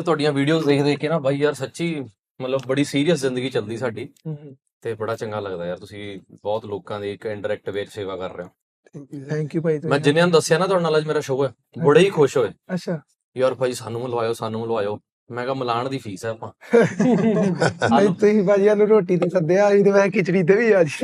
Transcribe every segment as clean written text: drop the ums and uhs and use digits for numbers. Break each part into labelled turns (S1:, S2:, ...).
S1: ਤੁਹਾਡੀਆਂ ਵੀਡੀਓਜ਼ ਦੇਖ ਕੇ ਨਾ ਬਾਈ ਯਾਰ ਸੱਚੀ ਮਤਲਬ ਬੜੀ ਸੀਰੀਅਸ ਜ਼ਿੰਦਗੀ ਚੱਲਦੀ ਸਾਡੀ ਤੇ ਬੜਾ ਚੰਗਾ ਲੱਗਦਾ ਯਾਰ। ਤੁਸੀਂ ਬਹੁਤ ਲੋਕਾਂ ਦੀ ਇੱਕ ਇਨਡਾਇਰੈਕਟ ਵੇ 'ਚ ਸੇਵਾ ਕਰ ਰਹੇ ਹੋ।
S2: ਥੈਂਕ ਯੂ ਭਾਈ।
S1: ਮੈਂ ਜਿੰਨਿਆਂ ਨੂੰ ਦੱਸਿਆ ਨਾ ਤੁਹਾਡੇ ਨਾਲ ਅੱਜ ਮੇਰਾ ਸ਼ੋਅ ਹੈ, ਬੜੇ ਹੀ ਖੁਸ਼ ਹੋਏ।
S2: ਅੱਛਾ
S1: ਯਾਰ ਭਾਈ ਸਾਨੂੰ ਮਿਲਵਾਇਓ। ਮੈਂ ਕਿਹਾ ਮਿਲਾਣ ਦੀ ਫੀਸ ਹੈ ਆਪਾਂ।
S2: ਨਹੀਂ ਤੁਸੀਂ ਭਾਜੀ ਸਾਨੂੰ ਰੋਟੀ ਤੇ ਸੱਦਿਆ, ਅਸੀਂ ਤੇ ਮੈਂ ਖਿਚੜੀ ਤੇ ਵੀ ਅੱਜ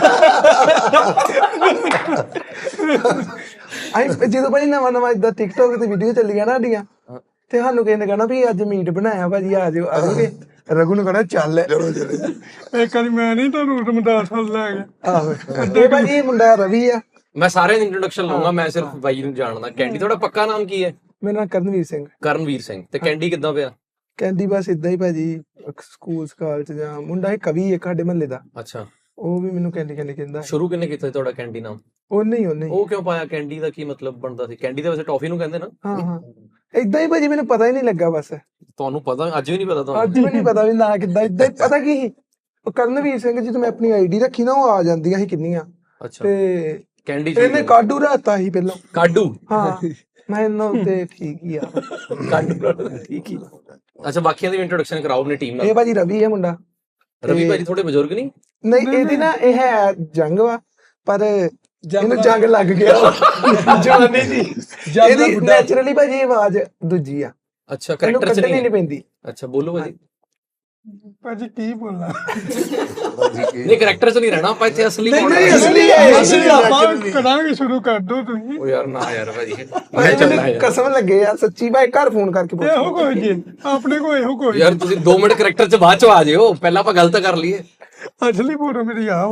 S2: ਅਸੀਂ ਜਦੋਂ ਭਾਜੀ ਨਵਾਂ ਇਦਾਂ ਟਿਕਟੋਕ ਤੇ ਵੀਡੀਓ ਚੱਲੀਆਂ ਨਾ ਸਾਡੀਆਂ ਤੇ ਸਾਨੂੰ ਕਿਸੇ ਨੇ ਕਹਿਣਾ ਵੀ ਅੱਜ ਮੀਟ ਬਣਾਇਆ ਭਾਜੀ ਆ ਜਾਓ ਆਓਗੇ। ਰਘੂ ਨੂੰ ਕਹਿਣਾ ਚੱਲ
S3: ਇੱਕ ਵਾਰੀ ਮੈਂ ਨਹੀਂ ਤੁਹਾਨੂੰ ਰਮਦਾਸ ਵੱਲ ਲੈ ਗਿਆ।
S2: ਆਹੋ ਇਹ ਭਾਜੀ ਇਹ ਮੁੰਡਾ ਰਵੀ ਆ।
S1: ਮੈਂ ਸਾਰਿਆਂ ਦੀ ਇੰਟਰੋਡਕਸ਼ਨ ਲਾਉਂਗਾ, ਮੈਂ ਸਿਰਫ ਬਾਈ ਨੂੰ ਜਾਣਦਾ। ਕੈਂਡੀ ਤੁਹਾਡਾ ਪੱਕਾ ਨਾਮ ਕੀ ਹੈ?
S2: ਮੇਰਾ ਨਾਮ ਕਰਨਵੀਰ ਸਿੰਘ।
S1: ਕਰਨਵੀਰ ਸਿੰਘ। ਤੇ ਕੈਂਡੀ ਕਿੱਦਾਂ ਪਿਆ?
S2: ਕਹਿੰਦੀ ਬਸ ਇਦਾਂ ਹੀ ਭਾਜੀ, ਸਕੂਲ ਸਕਾਲ ਚ ਜਾਂ ਮੁੰਡਾ ਇੱਕ ਕਵੀ ਇੱਕ ਸਾਡੇ ਮਹੱਲੇ ਦਾ,
S1: ਅੱਛਾ
S2: ਉਹ ਵੀ ਮੈਨੂੰ ਕੈਂਡੀ ਕਹਿੰਦਾ।
S1: ਸ਼ੁਰੂ ਕਿੰਨੇ ਕੀਤਾ ਸੀ ਤੁਹਾਡਾ ਕੈਂਡੀ ਨਾਮ?
S2: ਉਹਨੇ
S1: ਉਹ ਕਿਉਂ ਪਾਇਆ? ਕੈਂਡੀ ਦਾ ਕੀ ਮਤਲਬ ਬਣਦਾ ਸੀ? ਕੈਂਡੀ ਤਾਂ ਵੈਸੇ ਟੌਫੀ ਨੂੰ ਕਹਿੰਦੇ ਨਾ।
S2: ਹਾਂ ਏਦਾਂ ਹੀ ਭਾਜੀ, ਮੈਨੂੰ ਪਤਾ ਹੀ ਨਹੀਂ ਲੱਗਾ। ਬਸ
S1: ਤੁਹਾਨੂੰ ਪਤਾ? ਅੱਜ ਵੀ ਨਹੀਂ ਪਤਾ ਤੁਹਾਨੂੰ?
S2: ਅੱਜ ਵੀ ਨਹੀਂ ਪਤਾ ਵੀ ਨਾ ਕਿੱਦਾਂ। ਏਦਾਂ ਹੀ ਪਤਾ ਕੀ ਸੀ, ਉਹ ਕਰਨਵੀਰ ਸਿੰਘ ਜਦੋਂ ਮੈਂ ਆਪਣੀ ਆਈਡੀ ਰੱਖੀ ਨਾ ਉਹ ਆ ਜਾਂਦੀਆਂ ਸੀ ਕਿੰਨੀਆਂ।
S1: ਅੱਛਾ
S2: ਤੇ
S1: ਕੈਂਡੀ
S2: ਇਹਨੇ ਕਾਡੂ ਰਾਤਾ ਸੀ ਪਹਿਲਾਂ।
S1: ਕਾਡੂ?
S2: ਹਾਂ ਮੈਂ ਇਹਨੂੰ ਤੇ ਠੀਕ ਹੀ ਆ
S1: ਕਾਡੂ ਠੀਕ ਹੀ। ਅੱਛਾ ਬਾਕੀਆਂ ਦੀ ਇੰਟਰੋਡਕਸ਼ਨ ਕਰਾਓ ਆਪਣੀ ਟੀਮ ਨਾਲ।
S2: ਇਹ ਭਾਜੀ ਰਵੀ ਹੈ ਮੁੰਡਾ।
S1: ਰਵੀ ਭਾਜੀ ਥੋੜੇ ਬਜ਼ੁਰਗ ਨਹੀਂ?
S2: ਨਹੀਂ ਇਹਦੀ ਨਾ ਇਹ ਹੈ ਜੰਗ ਵਾ, ਪਰ ਇਹਨੂੰ ਜੰਗ ਲੱਗ ਗਿਆ ਜਵਾਨੀ ਦੀ। ਇਹਦੀ ਨੈਚੁਰਲੀ ਭਾਜੀ ਆਵਾਜ਼ ਦੂਜੀ ਆ।
S1: ਅੱਛਾ ਕਰੈਕਟਰ ਚ
S2: ਨਹੀਂ ਪੈਂਦੀ।
S1: ਅੱਛਾ ਬੋਲੋ ਭਾਜੀ।
S3: ਭਾਜੀ ਕੀ ਬੋਲਣਾ,
S1: ਨਹੀਂ ਕਰੈਕਟਰ ਚ ਨਹੀਂ ਰਹਿਣਾ ਆਪਾਂ ਇੱਥੇ, ਅਸਲੀ
S3: ਅਸੀਂ ਆਪਾਂ ਕਰਾਂਗੇ, ਸ਼ੁਰੂ ਕਰ ਦੋ ਤੁਸੀਂ।
S1: ਉਹ ਯਾਰ ਨਾ ਯਾਰ ਭਾਜੀ ਮੈਂ ਚੱਲਣਾ ਯਾਰ।
S2: ਕਸਮ ਲੱਗੇ ਯਾਰ ਸੱਚੀ ਭਾਈ, ਘਰ ਫੋਨ ਕਰਕੇ ਪੁੱਛ
S3: ਇਹੋ ਕੋਈ ਜੀ ਆਪਣੇ ਕੋਲ ਇਹੋ ਕੋਈ
S1: ਯਾਰ। ਤੁਸੀਂ 2 ਮਿੰਟ ਕਰੈਕਟਰ ਚ ਬਾਅਦ ਚ ਆ ਜਿਓ, ਪਹਿਲਾਂ ਆਪਾਂ ਗੱਲ ਤਾਂ ਕਰ ਲਈਏ।
S3: ਅਸਲੀ ਫੋਟੋ ਮੇਰੀ ਆਓ।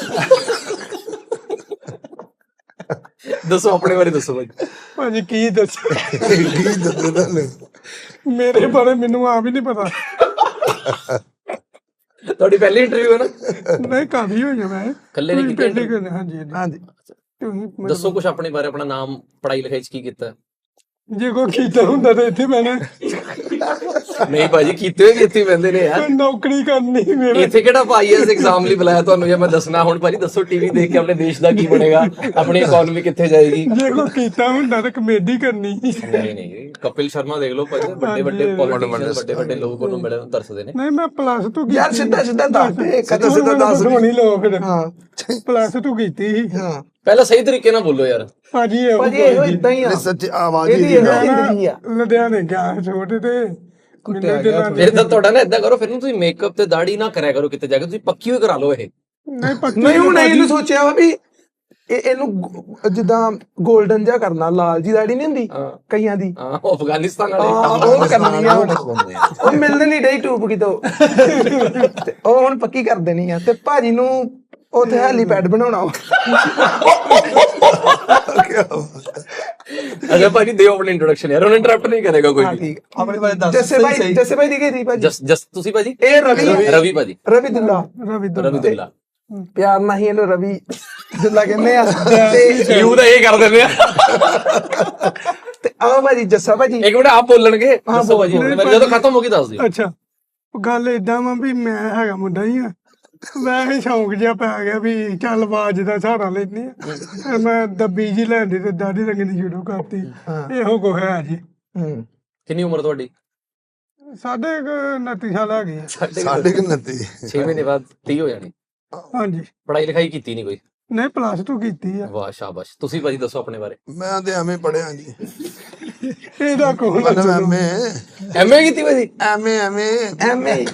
S1: ਦੱਸੋ ਆਪਣੇ ਬਾਰੇ ਦੱਸੋ
S3: ਭਾਜੀ ਕੀ ਦੱਸੋ ਤੁਹਾਨੂੰ ਮੇਰੇ ਬਾਰੇ? ਮੈਨੂੰ ਆਪ ਹੀ ਨਹੀਂ ਪਤਾ।
S1: ਤੁਹਾਡੀ ਪਹਿਲੀ ਇੰਟਰਵਿਊ ਹੈ ਨਾ?
S3: ਨਹੀਂ ਕਾਫੀ ਹੋਈਆਂ ਮੈਂ
S1: ਇਕੱਲੇ ਨਹੀਂ ਕੀਤੀ?
S3: ਹਾਂਜੀ ਤੁਸੀਂ
S1: ਦੱਸੋ ਕੁਝ ਆਪਣੇ ਬਾਰੇ, ਆਪਣਾ ਨਾਮ, ਪੜ੍ਹਾਈ ਲਿਖਾਈ ਚ ਕੀ ਕੀਤਾ?
S3: ਜੇ ਕੋਈ ਕੀਤਾ ਹੁੰਦਾ ਤਾਂ ਇੱਥੇ ਮੈਂ
S1: ਨਹੀਂ ਭਾਜੀ ਕੀਤੇ ਹੋਏ ਇੱਥੇ ਪੈਂਦੇ ਨੇ ਯਾਰ।
S3: ਨੌਕਰੀ ਕਰਨੀ ਮੇਰੇ
S1: ਇੱਥੇ ਕਿਹੜਾ ਆਈਐਸ ਐਗਜ਼ਾਮ ਲਈ ਬੁਲਾਇਆ ਤੁਹਾਨੂੰ? ਜੇ ਮੈਂ ਦੱਸਣਾ ਹੁਣ ਭਾਜੀ ਦੱਸੋ, ਟੀਵੀ ਦੇਖ ਕੇ ਆਪਣੇ ਦੇਸ਼ ਦਾ ਕੀ ਬਣੇਗਾ, ਆਪਣੀ ਇਕਨੋਮੀ ਕਿੱਥੇ ਜਾਏਗੀ?
S3: ਜੇ ਕੋਈ ਕੀਤਾ ਹੁੰਦਾ ਤਾਂ ਕਮੇਡੀ ਕਰਨੀ।
S1: ਨਹੀਂ ਕਪਿਲ ਸ਼ਰਮਾ ਦੇਖ ਲਓ ਭਾਜੀ, ਵੱਡੇ ਵੱਡੇ ਲੋਕ ਉਹਨੂੰ ਬੜੇ ਤਰਸਦੇ ਨੇ।
S3: ਨਹੀਂ ਮੈਂ ਪਲੱਸ 2
S2: ਯਾਰ ਸਿੱਧਾ ਦੱਸ ਦੇ, ਸਿੱਧਾ ਦੱਸ
S3: ਹੋਣੀ ਲੋਕ।
S2: ਹਾਂ
S3: ਪਲੱਸ 2 ਕੀਤੀ ਸੀ।
S2: ਹਾਂ
S1: ਪਹਿਲਾਂ ਸਹੀ ਤਰੀਕੇ ਨਾਲ ਬੋਲੋ ਯਾਰ
S3: ਭਾਜੀ
S2: ਇਹੋ ਇਦਾਂ ਹੀ ਆ।
S4: ਸੱਚ ਆਵਾਜ਼
S2: ਇਹਦੀ ਜ਼ਿੰਦਗੀ ਆ।
S3: ਲੁਧਿਆਣੇ ਗਿਆ ਛੋਟੇ ਤੇ
S1: ਫਿਰ ਤਾਂ ਤੁਹਾਡਾ ਨਾ ਏਦਾਂ ਕਰੋ, ਫਿਰ ਨੂੰ ਤੁਸੀਂ ਮੇਕਅਪ ਤੇ ਦਾੜੀ ਨਾ ਕਰਿਆ ਕਰੋ ਕਿਤੇ ਜਾ ਕੇ, ਤੁਸੀਂ ਪੱਕੀ ਹੋਈ ਕਰਾ ਲਓ ਇਹ।
S2: ਨਹੀਂ ਹੁਣ ਇਹਨੂੰ ਸੋਚਿਆ ਵਾ ਵੀ ਇਹਨੂੰ ਜਿੱਦਾਂ 골ਡਨ ਜਿਹਾ ਕਰਨਾ, ਲਾਲ ਜੀ ਦਾੜੀ ਨਹੀਂ ਹੁੰਦੀ ਕਈਆਂ ਦੀ।
S1: ਹਾਂ ਅਫਗਾਨਿਸਤਾਨ
S2: ਉਹ ਕਰਨੀ ਆ ਹੁਣ। ਉਹ ਮਿਲਣ ਨਹੀਂ ਡਈ ਟੂਬ ਕਿਤੋਂ, ਉਹ ਹੁਣ ਪੱਕੀ ਕਰ ਦੇਣੀ ਆ। ਤੇ ਭਾਜੀ ਨੂੰ ਉੱਥੇ ਹੈਲੀਪੈਡ ਬਣਾਉਣਾ।
S1: ਅੱਛਾ ਭਾਜੀ ਦਿਓ ਆਪਣੀ ਇੰਟਰੋਡਕਸ਼ਨ ਯਾਰ, ਉਹਨੂੰ ਇੰਟਰਰਪਟ ਨਹੀਂ ਕਰੇਗਾ ਕੋਈ ਵੀ।
S2: ਠੀਕ ਆਪਣੇ ਬਾਰੇ ਦੱਸ। ਜੱਸੇ ਭਾਈ ਦੀ ਕੀ ਸੀ ਭਾਜੀ?
S1: ਜਸ ਤੁਸੀਂ ਭਾਜੀ?
S2: ਇਹ ਰਵੀ
S1: ਭਾਜੀ।
S2: ਰਵੀਦੁੱਲਾ ਪਿਆਰ ਨਾਲ ਹੀ ਇਹਨੂੰ ਰਵੀ ਦੁੱਲਾ ਕਹਿੰਦੇ ਆ। ਤੇ
S1: ਯੂ ਤਾਂ ਇਹ ਕਰ ਦਿੰਦੇ ਆ।
S2: ਤੇ ਆਹ ਭਾਜੀ ਜੱਸਾ ਭਾਜੀ।
S1: ਇੱਕ ਮਿੰਟ ਆਪ ਬੋਲਣਗੇ। ਦੱਸੋ ਭਾਜੀ ਜਦੋਂ ਖਤਮ ਹੋ ਗਈ ਦੱਸ ਦਿਓ।
S3: ਅੱਛਾ ਗੱਲ ਏਦਾਂ ਵਾ ਵੀ ਮੈਂ ਹੈਗਾ ਮੁੰਡਾ ਹੀ ਆ, ਵੈਸੇ ਸ਼ੌਂਕ ਜਿਹਾ ਪੈ ਗਿਆ ਵੀ ਚੱਲ ਆਵਾਜ਼ ਦਾ ਸਹਾਰਾ ਲੈਂਦੀ ਆ। ਮੈਂ ਦੱਬੀ ਜੀ ਲੈਂਦੀ ਤੇ ਦਾੜੀ ਰੰਗਣੀ ਸ਼ੁਰੂ ਕਰਤੀ। ਇਹੋ ਕੋ ਹੈ ਜੀ।
S1: ਕਿੰਨੀ ਉਮਰ ਤੁਹਾਡੀ?
S3: 29 ਸਾਲ ਆ ਗਈ।
S4: 29
S1: 6 ਮਹੀਨੇ ਬਾਅਦ 30 ਹੋ ਜਾਣੀ।
S3: ਹਾਂਜੀ
S1: ਪੜ੍ਹਾਈ ਲਿਖਾਈ ਕੀਤੀ ਨਹੀਂ ਕੋਈ?
S3: ਨਹੀਂ ਪਲੱਸ 2 ਕੀਤੀ ਆ।
S1: ਵਾਹ ਸ਼ਾਬਾਸ਼। ਤੁਸੀਂ ਭਾਜੀ ਦੱਸੋ ਆਪਣੇ ਬਾਰੇ।
S4: ਮੈਂ ਤੇ ਐਵੇਂ ਪੜਿਆ ਜੀ।
S3: ਇਹਦਾ ਕੋਲ
S1: ਐਮਏ ਕੀਤੀ ਭਾਜੀ?
S4: ਐਵੇਂ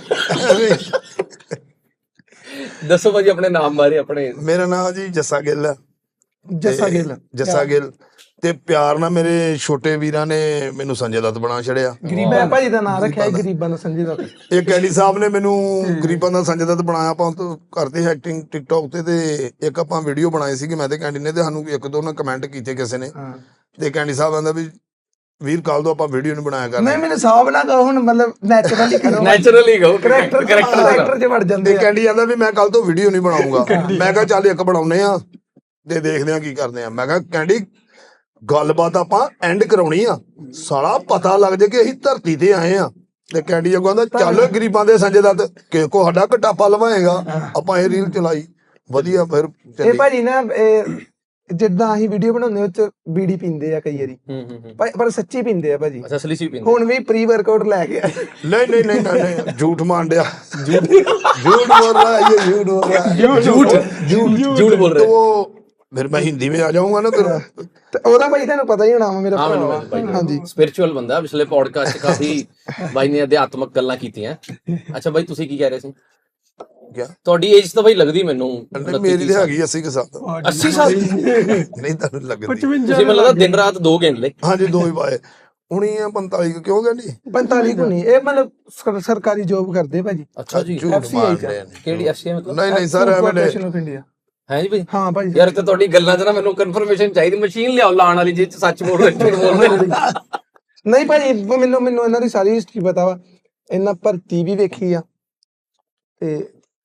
S1: ਦੱਸੋ ਭਾਜੀ ਆਪਣੇ ਨਾਮ ਬਾਰੇ। ਆਪਣੇ
S4: ਮੇਰਾ ਨਾਮ ਜੀ ਜੱਸਾ ਗਿੱਲ ਹੈ।
S2: ਜੱਸਾ ਗਿੱਲ
S4: ਤੇ ਪਿਆਰ ਨਾਲ ਮੇਰੇ ਛੋਟੇ ਵੀਰਾਂ ਨੇ ਮੈਨੂੰ ਸੰਜੇ ਦੱਤ ਬਣਾ ਛੜਿਆ।
S2: ਗਰੀਬਾ ਭਾਜੀ ਦਾ ਨਾਮ ਰੱਖਿਆ ਗਰੀਬਾਂ ਦਾ ਸੰਜੇ ਦੱਤ।
S4: ਇਹ ਕੈਡੀ ਸਾਹਿਬ ਨੇ ਮੈਨੂੰ ਗਰੀਬਾਂ ਦਾ ਸੰਜੇ ਦੱਤ ਬਣਾਇਆ। ਆਪਾਂ ਕਰਦੇ ਐਕਟਿੰਗ ਟਿਕਟੌਕ ਤੇ ਇੱਕ ਆਪਾਂ ਵੀਡੀਓ ਬਣਾਈ ਸੀਗੀ ਮੈਂ ਤੇ ਕੈਂਡੀ ਨੇ, ਤੇ ਸਾਨੂੰ 1-2 ਨੇ ਕਮੈਂਟ ਕੀਤੇ ਕਿਸੇ ਨੇ, ਤੇ ਕੈਂਡੀ ਸਾਹਿਬ ਕਹਿੰਦਾ ਵੀ ਵੀਰ ਕੱਲ ਤੋਂ ਆਪਾਂ ਵੀਡੀਓ ਨਹੀਂ ਬਣਾਇਆ ਕਰਨਾ।
S2: ਨਹੀਂ ਮੈਨੂੰ ਸਾਹਬ ਨਾ ਕਹੋ ਹੁਣ, ਮਤਲਬ ਨੈਚੁਰਲੀ ਕਰੋ।
S1: ਨੈਚੁਰਲੀ ਕਹੋ,
S2: ਕਰੈਕਟਰ ਚ ਵੜ ਜਾਂਦੇ।
S4: ਤੇ ਕੈਂਡੀ ਕਹਿੰਦਾ ਵੀ ਮੈਂ ਕੱਲ ਤੋਂ ਵੀਡੀਓ ਨਹੀਂ ਬਣਾਉਂਗਾ। ਮੈਂ ਕਿਹਾ ਚੱਲ ਇੱਕ ਬਣਾਉਨੇ ਆ ਤੇ ਦੇਖਦੇ ਆ ਕੀ ਕਰਦੇ ਆ। ਮੈਂ ਕਿਹਾ ਕੈਂਡੀ ਗੱਲਬਾਤ ਆਪਾਂ ਐਂਡ ਕਰਾਉਣੀ ਆ, ਸਾਲਾ ਪਤਾ ਲੱਗ ਜੇ ਕਿ ਅਸੀਂ ਧਰਤੀ ਤੇ ਆਏ ਆ। ਤੇ ਕੈਂਡੀ ਅੱਗੋਂ ਕਹਿੰਦਾ ਚੱਲ ਗਰੀਬਾਂ ਦੇ ਸੰਜੇ ਦੱਤ ਕਿਸੇ ਕੋ ਸਾਡਾ ਘਟਾਪਾ ਲਵਾਏਗਾ। ਆਪਾਂ ਇਹ ਰੀਲ ਚਲਾਈ ਵਧੀਆ। ਫਿਰ
S2: ਇਹ ਭਾਜੀ ਨਾ ਜਿੱਦਾਂ ਅਸੀਂ ਵੀਡੀਓ ਬਣਾਉਂਦੇ ਉਹ ਚ ਬੀੜੀ ਪੀਂਦੇ ਆ ਕਈ ਵਾਰੀ, ਪਰ ਸੱਚੀ ਪੀਂਦੇ ਆ ਭਾਜੀ।
S1: ਅੱਛਾ ਅਸਲੀ ਸੀ ਪੀਂਦੇ।
S2: ਹੁਣ ਵੀ ਪ੍ਰੀ ਵਰਕਆਊਟ ਲੈ ਕੇ ਆਏ।
S4: नहीं झूठ मान दिया, झूठ बोल रहा है ये, झूठ बोल रहा है,
S1: झूठ बोल रहे
S4: तो वो फिर मैं हिंदी में आ जाऊंगा ना फिर।
S2: ਤੇ ਉਹਦਾ ਭਾਈ ਤੁਹਾਨੂੰ ਪਤਾ ਹੀ ਹੋਣਾ ਵਾ ਮੇਰਾ ਭਰਾ ਵਾ। ਹਾਂਜੀ
S1: ਸਪਿਰਚੁਅਲ ਬੰਦਾ। ਪਿਛਲੇ ਪੋਡਕਾਸਟ 'ਚ ਕਾਫੀ ਬਾਈ ਨੇ ਅਧਿਆਤਮਕ ਗੱਲਾਂ ਕੀਤੀਆਂ। ਅੱਛਾ ਬਾਈ ਤੁਸੀਂ ਕੀ ਕਹਿ ਰਹੇ ਸੀ?
S4: क्या
S1: ਤੁਹਾਡੀ ਏਜ ਤਾਂ ਬਾਈ ਲੱਗਦੀ ਮੈਨੂੰ
S4: मेरी तो हैगी 80 के साथ।
S1: 80 ਸਾਲ।
S4: नहीं तो लगती।
S3: 55
S1: ਤੁਸੀਂ ਮੈਨੂੰ ਲੱਗਦਾ ਦਿਨ ਰਾਤ 2 ਗਿਣ ਲਏ।
S4: हाँ जी 2 ही पाए। हुणी 45 क्यों कहनी?
S2: 45 ਕੋ ਨਹੀਂ, ਇਹ ਮਤਲਬ ਸਰਕਾਰੀ ਜੋਬ ਕਰਦੇ ਭਾਜੀ।
S1: ਅੱਛਾ ਜੀ।
S4: झूठ
S2: FCI
S4: मार
S2: का।
S4: रहे हैं।
S1: ਕਿਹੜੀ ਐਫਸੀ ਮਤਲਬ?
S4: नहीं नहीं सर मैंने
S2: ਕਾਰਪੋਰੇਸ਼ਨ ਆਫ ਇੰਡੀਆ।
S1: ਹੈ ਜੀ ਬਾਈ।
S2: ਹਾਂ ਭਾਜੀ।
S1: ਯਾਰ ਤੇ ਤੁਹਾਡੀ ਗੱਲਾਂ 'ਚ ਨਾ ਮੈਨੂੰ ਕਨਫਰਮੇਸ਼ਨ ਚਾਹੀਦੀ। ਮਸ਼ੀਨ ਲਿਆਓ ਲਾਣ ਵਾਲੀ ਜਿਹ 'ਚ ਸੱਚ ਬੋਲ ਰਹੇ ਝੂਠ ਬੋਲ ਰਹੇ।
S2: ਨਹੀਂ ਭਾਜੀ ਮੈਨੂੰ ਇਹਨਾਂ ਦੀ ਸਾਰੀ ਹਿਸਟਰੀ ਪਤਾ ਵਾ। ਇਹਨਾਂ ਭਰਤੀ ਵੀ ਵੇਖੀ ਆ ਤੇ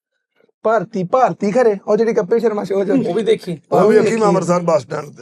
S2: ਭਾਰਤੀ ਖਰੇ ਉਹ ਜਿਹੜੀ ਕੱਪੇ ਸ਼ਰਮਾ ਸ਼ੋਅ ਚ
S1: ਉਹ ਵੀ ਦੇਖੀ।
S4: वो भी अखी मैं अमृतसर बस स्टैंड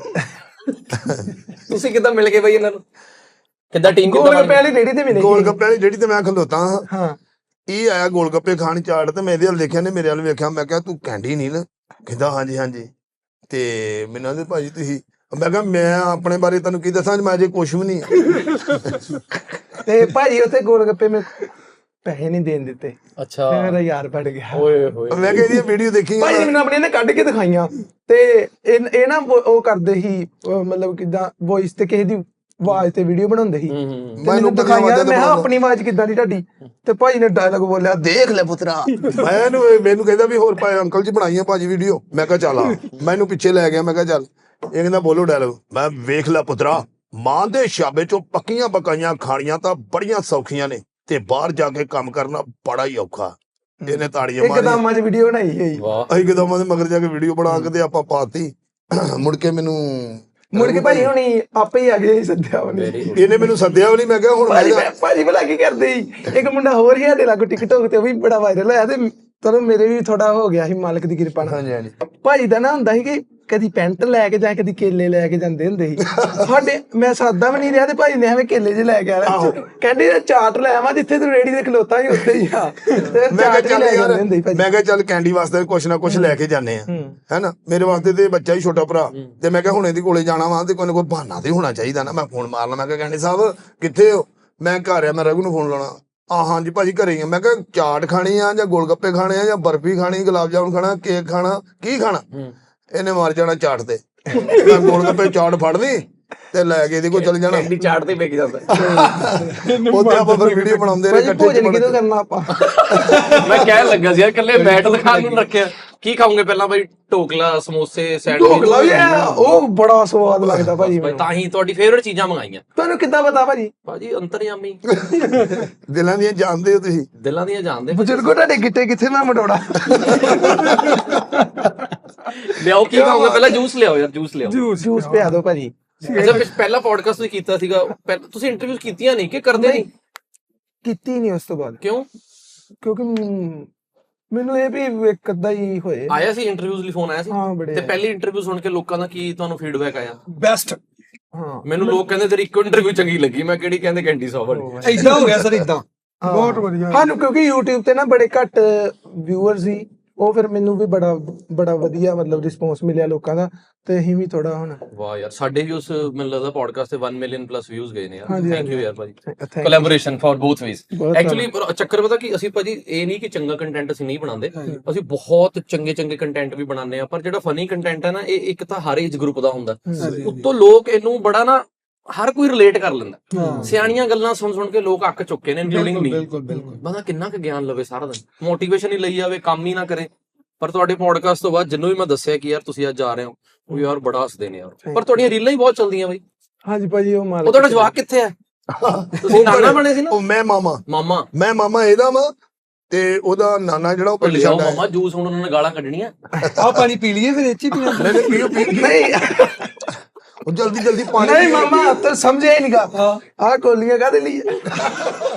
S4: ते
S1: ਤੁਸੀਂ ਕਿੱਦਾਂ ਮਿਲ ਗਏ ਬਾਈ ਇਹਨਾਂ ਨੂੰ? ਕਿੱਦਾਂ ਟੀਮ
S2: ਗੋਲ ਗੱਪੇ ਵਾਲੀ ਰੇੜੀ ਤੇ ਮਿਲੇ ਸੀ।
S4: गोलगप्पे वाली रेहड़ी ते मैं खलोता हां।
S2: ਹਾਂ
S4: ਇਹ ਆਇਆ ਗੋਲਗੱਪੇ ਖਾਣ ਚਾੜ ਤੇ ਮੈਂ ਇਹਦੇ ਵੱਲ ਦੇਖਿਆ ਨੇ ਮੇਰੇ ਵੱਲ ਵੇਖਿਆ। ਮੈਂ ਕਿਹਾ ਤੂੰ ਕੈਂਡੀ ਨਹੀਂ ਨਾ? ਕਹਿੰਦਾ ਹਾਂਜੀ ਹਾਂਜੀ। ਤੇ ਮੈਨੂੰ ਕਹਿੰਦੇ ਭਾਜੀ ਤੁਸੀਂ, ਮੈਂ ਕਿਹਾ ਮੈਂ ਆਪਣੇ ਬਾਰੇ ਤੁਹਾਨੂੰ ਕੀ ਦੱਸਾਂ, ਮੈਂ ਅਜੇ ਕੁਛ ਵੀ ਨਹੀਂ।
S2: ਤੇ ਭਾਜੀ ਉੱਥੇ ਗੋਲ ਗੱਪੇ ਮੇ ਪੈਸੇ ਨਹੀਂ ਦੇਣ ਦਿੱਤੇ।
S1: ਅੱਛਾ
S2: ਮੇਰਾ ਯਾਰ ਪੜ ਗਿਆ।
S1: ਓਏ ਹੋਏ।
S4: ਮੈਂ ਕਿਹਾ ਇਹਦੀ ਵੀਡੀਓ ਦੇਖੀ
S2: ਭਾਜੀ ਮੈਨੂੰ ਆਪਣੀ ਨੇ ਕੱਢ ਕੇ ਦਿਖਾਈਆਂ ਤੇ ਇਹ ਨਾ ਉਹ ਕਰਦੇ ਸੀ ਮਤਲਬ ਕਿਦਾਂ ਵੌਇਸ ਤੇ ਕਿਸੇ ਦੀ ਆਵਾਜ਼ ਤੇ ਵੀਡੀਓ ਬਣਾਉਂਦੇ ਸੀ। ਤੇ ਮੈਨੂੰ ਦਿਖਾਈਆਂ ਮੈਂ ਕਿਹਾ ਆਪਣੀ ਆਵਾਜ਼ ਕਿੱਦਾਂ ਦੀ ਤੁਹਾਡੀ? ਤੇ ਭਾਜੀ ਨੇ ਡਾਇਲੌਗ ਬੋਲਿਆ ਦੇਖ ਲੈ ਪੁੱਤਰਾ।
S4: ਮੈਨੂੰ ਕਹਿੰਦਾ ਵੀ ਹੋਰ ਭਾਈ ਅੰਕਲ ਜੀ ਬਣਾਈਆਂ ਭਾਜੀ ਵੀਡੀਓ। ਮੈਂ ਕਿਹਾ ਚੱਲ ਆ। ਮੈਨੂੰ ਪਿੱਛੇ ਲੈ ਗਿਆ। ਮੈਂ ਕਿਹਾ ਚੱਲ। ਇਹ ਕਹਿੰਦਾ ਬੋਲੋ ਡਾਇਲੌਗ। ਮੈਂ ਵੇਖ ਲੈ ਪੁੱਤਰਾ, ਮਾਂ ਦੇ ਸ਼ਾਬੇ ਚੋਂ ਪੱਕੀਆਂ ਪਕਾਈਆਂ ਖਾਣੀਆਂ ਤਾਂ ਬੜੀਆਂ ਸੌਖੀਆਂ ਨੇ ਤੇ ਬਾਹਰ ਜਾ ਕੇ ਕੰਮ ਕਰਨਾ ਬੜਾ ਹੀ ਔਖਾ। ਇਹਨੇ ਤਾੜੀਆਂ ਮਾਰੀਆਂ।
S2: ਇੱਕਦਮ ਅੱਜ ਵੀਡੀਓ ਬਣਾਈ ਹੈ।
S1: ਵਾਹ।
S4: ਅਸੀਂ ਕਿਦਾਂ ਦੇ ਮਗਰ ਜਾ ਕੇ ਵੀਡੀਓ ਬਣਾ ਕੇ ਤੇ ਆਪਾਂ ਪਾਤੀ। ਮੁੜ ਕੇ ਮੈਨੂੰ
S2: ਭਾਜੀ ਹੁਣੀ ਆਪੇ ਹੀ ਆ ਗਏ ਸੱਦਿਆ ਉਹਨੇ।
S4: ਇਹਨੇ ਮੈਨੂੰ ਸੱਦਿਆ ਵੀ ਨਹੀਂ। ਮੈਂ ਕਿਹਾ ਹੁਣ
S2: ਭਾਜੀ ਭਲਾ ਕੀ ਕਰਦੇ ਸੀ। ਇੱਕ ਮੁੰਡਾ ਹੋਰ ਹੀ ਸਾਡੇ ਲਾਗੂ ਟਿਕਟੋਕ ਤੇ ਉਹ ਵੀ ਬੜਾ ਵਾਇਰਲ ਹੋਇਆ ਤੇ ਚਲੋ ਮੇਰੇ ਵੀ ਥੋੜਾ ਹੋ ਗਿਆ ਸੀ ਮਾਲਕ ਦੀ ਕਿਰਪਾ ਨਾਲ।
S4: ਹਾਂਜੀ ਹਾਂਜੀ।
S2: ਭਾਜੀ ਦਾ ਨਾ ਹੁੰਦਾ ਸੀ ਕਿ ਕਦੀ ਪੈਂਟ ਲੈ ਕੇ ਜਾਂ ਕਦੀ ਕੇਲੇ ਲੈ ਕੇ ਜਾਂਦੇ ਹੁੰਦੇ ਸੀ। ਸਾਡੇ ਮੈਂ ਸਾਦਾ ਵੀ ਨਹੀਂ ਰਿਹਾ ਤੇ ਭਾਜੀ ਨੇ ਐਵੇਂ ਕੇਲੇ ਜੇ ਲੈ ਕੇ ਆਇਆ। ਕਹਿੰਦੇ ਚਾਟ ਲੈ ਆਵਾਂ ਜਿੱਥੇ ਤੂੰ ਰੇੜੀ ਤੇ ਖਲੋਤਾ ਸੀ ਉੱਥੇ ਹੀ ਆ।
S4: ਮੈਂ ਕਿਹਾ ਚੱਲ ਕੈਂਡੀ ਵਾਸਤੇ ਕੁਛ ਨਾ ਕੁਛ ਲੈ ਕੇ ਜਾਂਦੇ ਆ ਹੈਨਾ। ਮੇਰੇ ਵਾਸਤੇ ਤੇ ਬੱਚਾ ਹੀ ਛੋਟਾ ਭਰਾ ਤੇ ਮੈਂ ਕਿਹਾ ਹੁਣ ਇਹਦੇ ਕੋਲੇ ਜਾਣਾ ਵਾ ਤੇ ਕੋਈ ਨਾ ਕੋਈ ਬਹਾਨਾ ਤੇ ਹੋਣਾ ਚਾਹੀਦਾ ਨਾ। ਮੈਂ ਫੋਨ ਮਾਰਨਾ। ਮੈਂ ਕਿਹਾ ਕੈਂਡੀ ਸਾਹਿਬ ਕਿੱਥੇ ਹੋ? ਮੈਂ ਘਰ ਆ। ਮੈਂ ਰਘੂ ਨੂੰ ਫੋਨ ਲਾਉਣਾ। ਹਾਂਜੀ ਭਾਜੀ ਘਰੇ ਹੀ ਆ। ਮੈਂ ਕਿਹਾ ਚਾਟ ਖਾਣੀ ਆ ਜਾਂ ਗੋਲ ਗੱਪੇ ਖਾਣੇ ਆ ਜਾਂ ਬਰਫੀ ਖਾਣੀ, ਗੁਲਾਬ ਜਾਮੁਨ ਖਾਣਾ, ਕੇਕ ਖਾਣਾ, ਕੀ ਖਾਣਾ? ਇਹਨੇ ਮਾਰ ਜਾਣਾ ਚਾਟ ਤੇ। ਮੈਂ ਗੋਲ ਗੱਪੇ ਚਾਟ ਫੜ ਲਈ ਤੇ ਲੈ ਕੇ ਇਹਦੇ ਕੋਲ ਚਲ ਜਾਣਾ।
S1: ਐਡੀ ਚਾਟ ਤੇ ਵਿਕ ਜਾਂਦਾ।
S4: ਉੱਥੇ ਆਪਾਂ ਫਿਰ ਵੀਡੀਓ ਬਣਾਉਂਦੇ ਰਹੇ ਇਕੱਠੇ।
S2: ਭੋਜਨ ਕਿਦੋਂ ਕਰਨਾ ਆਪਾਂ?
S1: ਮੈਂ ਕਹਿਣ ਲੱਗਾ ਸੀ ਯਾਰ ਇਕੱਲੇ ਮੈਟ ਦਿਖਾਣ ਨੂੰ ਰੱਖਿਆ। ਕੀ ਖਾਓਗੇ ਪਹਿਲਾਂ ਬਾਈ? ਢੋਕਲਾ, ਸਮੋਸੇ,
S2: ਢੋਕਲਾ ਵੀ ਉਹ ਬੜਾ ਸਵਾਦ ਲੱਗਦਾ ਭਾਜੀ ਮੈਨੂੰ।
S1: ਤਾਂ ਹੀ ਤੁਹਾਡੀ ਫੇਵਰਿਟ ਚੀਜ਼ਾਂ ਮੰਗਾਈਆਂ।
S2: ਤੁਹਾਨੂੰ ਕਿੱਦਾਂ ਪਤਾ ਭਾਜੀ?
S1: ਭਾਜੀ ਅੰਤਰਯਾਮੀ।
S4: ਦਿਲਾਂ ਦੀਆਂ ਜਾਣਦੇ ਹੋ ਤੁਸੀਂ।
S1: ਦਿਲਾਂ ਦੀਆਂ ਜਾਣਦੇ।
S2: ਬਜ਼ੁਰਗੋ ਤੁਹਾਡੇ ਗਿੱਟੇ ਕਿੱਥੇ ਮੈਂ ਮਟੋੜਾ।
S1: ਲਿਆਓ ਕੀ ਖਾਓਗੇ ਪਹਿਲਾਂ? ਜੂਸ ਲਿਆਓ ਯਾਰ, ਜੂਸ ਲਿਆਓ।
S2: ਜੂਸ ਪਿਆ ਦਿਓ ਭਾਜੀ।
S1: ਅੱਛਾ ਪਹਿਲਾ ਪੋਡਕਾਸਟ ਤੁਸੀਂ ਕੀਤਾ ਸੀਗਾ, ਤੁਸੀਂ ਇੰਟਰਵਿਊ ਕੀਤੀਆਂ ਨਹੀਂ ਕਿ ਕਰਦੇ ਨਹੀਂ?
S2: ਕੀਤੀ ਨਹੀਂ ਉਸ ਤੋਂ ਬਾਅਦ।
S1: ਕਿਉਂ?
S2: ਕਿਉਂਕਿ ਮੈਨੂੰ ਇਹ ਵੀ ਇੱਕ ਅੱਧਾ ਹੀ ਹੋਏ।
S1: ਆਇਆ ਸੀ ਇੰਟਰਵਿਊਜ਼ ਲਈ ਫੋਨ ਆਇਆ ਸੀ?
S2: ਹਾਂ ਬੜੇ।
S1: ਤੇ ਪਹਿਲੀ ਇੰਟਰਵਿਊ ਸੁਣ ਕੇ ਲੋਕਾਂ ਦਾ ਕੀ ਤੁਹਾਨੂੰ ਫੀਡਬੈਕ ਆਇਆ?
S3: ਬੈਸਟ।
S2: ਹਾਂ
S1: ਮੈਨੂੰ ਲੋਕ ਕਹਿੰਦੇ ਤੇਰੀ ਇੱਕੋ ਇੰਟਰਵਿਊ ਚੰਗੀ ਲੱਗੀ। ਮੈਂ ਕਿਹੜੀ? ਕਹਿੰਦੇ ਕੈਂਡੀ ਸਾਹਿਬ ਵਾਲੀ।
S3: ਏਦਾਂ ਹੋ ਗਿਆ ਸਰ ਏਦਾਂ। ਬਹੁਤ ਵਧੀਆ।
S2: ਸਾਨੂੰ ਕਿਉਂਕਿ YouTube ਤੇ ਨਾ ਬੜੇ ਘੱਟ ਵਿਊਅਰ ਸੀ। ਉਹ ਫਿਰ ਮੈਨੂੰ ਵੀ ਬੜਾ ਵਧੀਆ ਮਤਲਬ ਰਿਸਪੌਂਸ ਮਿਲਿਆ ਲੋਕਾਂ ਦਾ ਤੇ ਅਸੀਂ ਵੀ ਥੋੜਾ ਹੁਣ।
S1: ਵਾਹ ਯਾਰ ਸਾਡੇ ਵੀ ਉਸ ਮੈਨੂੰ ਲੱਗਦਾ ਪੋਡਕਾਸਟ ਤੇ 1 ਮਿਲੀਅਨ ਪਲੱਸ ਵਿਊਜ਼ ਗਏ ਨੇ ਯਾਰ।
S2: ਹਾਂਜੀ,
S1: ਥੈਂਕ ਯੂ ਯਾਰ ਭਾਜੀ।
S2: Thank you।
S1: Collaboration for both ways.
S2: ਬਹੁਤ
S1: ਐਕਚੁਅਲੀ ਚੱਕਰ ਪਤਾ ਕੀ, ਅਸੀਂ ਭਾਜੀ ਇਹ ਨਹੀਂ ਕਿ ਚੰਗਾ ਕੰਟੈਂਟ ਅਸੀਂ ਨਹੀਂ ਬਣਾਉਂਦੇ। ਅਸੀਂ ਬਹੁਤ ਚੰਗੇ ਕੰਟੈਂਟ ਵੀ ਬਣਾਉਂਦੇ ਆ। ਪਰ ਜਿਹੜਾ ਫਨੀ ਕੰਟੈਂਟ ਹੈ ਨਾ, ਇਹ ਇੱਕ ਤਾਂ ਹਰ ਏਜ ਗਰੁੱਪ ਦਾ ਹੁੰਦਾ। ਉੱਤੋਂ ਲੋਕ ਇਹਨੂੰ ਬੜਾ ਨਾ ਹਰ ਕੋਈ ਰਿਲੇਟ ਕਰ ਲੈਂਦਾ। ਸਿਆਣੀਆਂ ਗੱਲਾਂ ਸੁਣ ਕੇ ਲੋਕ ਅੱਕ ਚੁੱਕੇ ਨੇ, ਇੰਕਲੂਡਿੰਗ ਮੀ। ਬੰਦਾ ਕਿੰਨਾ ਕੁ ਗਿਆਨ ਲਵੇ ਸਾਰਾ ਦਿਨ, ਮੋਟੀਵੇਸ਼ਨ ਹੀ ਲਈ ਜਾਵੇ, ਕੰਮ ਹੀ ਨਾ ਕਰੇ। ਪਰ ਤੁਹਾਡੇ ਪੋਡਕਾਸਟ ਤੋਂ ਬਾਅਦ ਜਿੰਨੂੰ ਵੀ ਮੈਂ ਦੱਸਿਆ ਕਿ ਯਾਰ ਤੁਸੀਂ ਅੱਜ ਜਾ ਰਹੇ ਹੋ, ਉਹ ਯਾਰ ਬੜਾ ਹੱਸਦੇ ਨੇ ਯਾਰ। ਪਰ ਤੁਹਾਡੀਆਂ ਰੀਲਾਂ ਹੀ ਬਹੁਤ ਚੱਲਦੀਆਂ ਬਾਈ।
S2: ਹਾਂਜੀ ਭਾਜੀ ਉਹ ਮਾਲਕ।
S1: ਉਹ ਤੁਹਾਡਾ ਜਵਾਕ ਕਿੱਥੇ ਹੈ? ਤੁਸੀਂ ਨਾਨਾ ਬਣੇ ਸੀ ਨਾ?
S4: ਉਹ ਮੈਂ
S1: ਮਾਮਾ
S4: ਇਹਦਾ ਵਾ ਤੇ ਉਹਦਾ ਨਾਨਾ ਜਿਹੜਾ ਉਹ ਪਿੰਡ
S1: ਲਿਆਓ
S4: ਛੱਡ ਆਇਆ।
S1: ਮਾਮਾ ਜੂਸ ਹੁਣ ਉਹਨਾਂ ਨੇ ਗਾਲਾਂ ਕੱਢਣੀਆਂ।
S3: ਆ ਪਾਣੀ ਪੀ ਲਈਏ ਫਿਰ ਇੱਥੇ ਪੀਣਾ।
S2: ਨਹੀਂ
S4: ਉਹ ਜਲਦੀ ਪਾਣੀ
S2: ਨਹੀਂ ਮਾਮਾ ਤੂੰ ਸਮਝਿਆ ਹੀ ਨਹੀਂਗਾ। ਆ ਕੋਲੀਆਂ ਕਾਹਦੇ ਲਈ?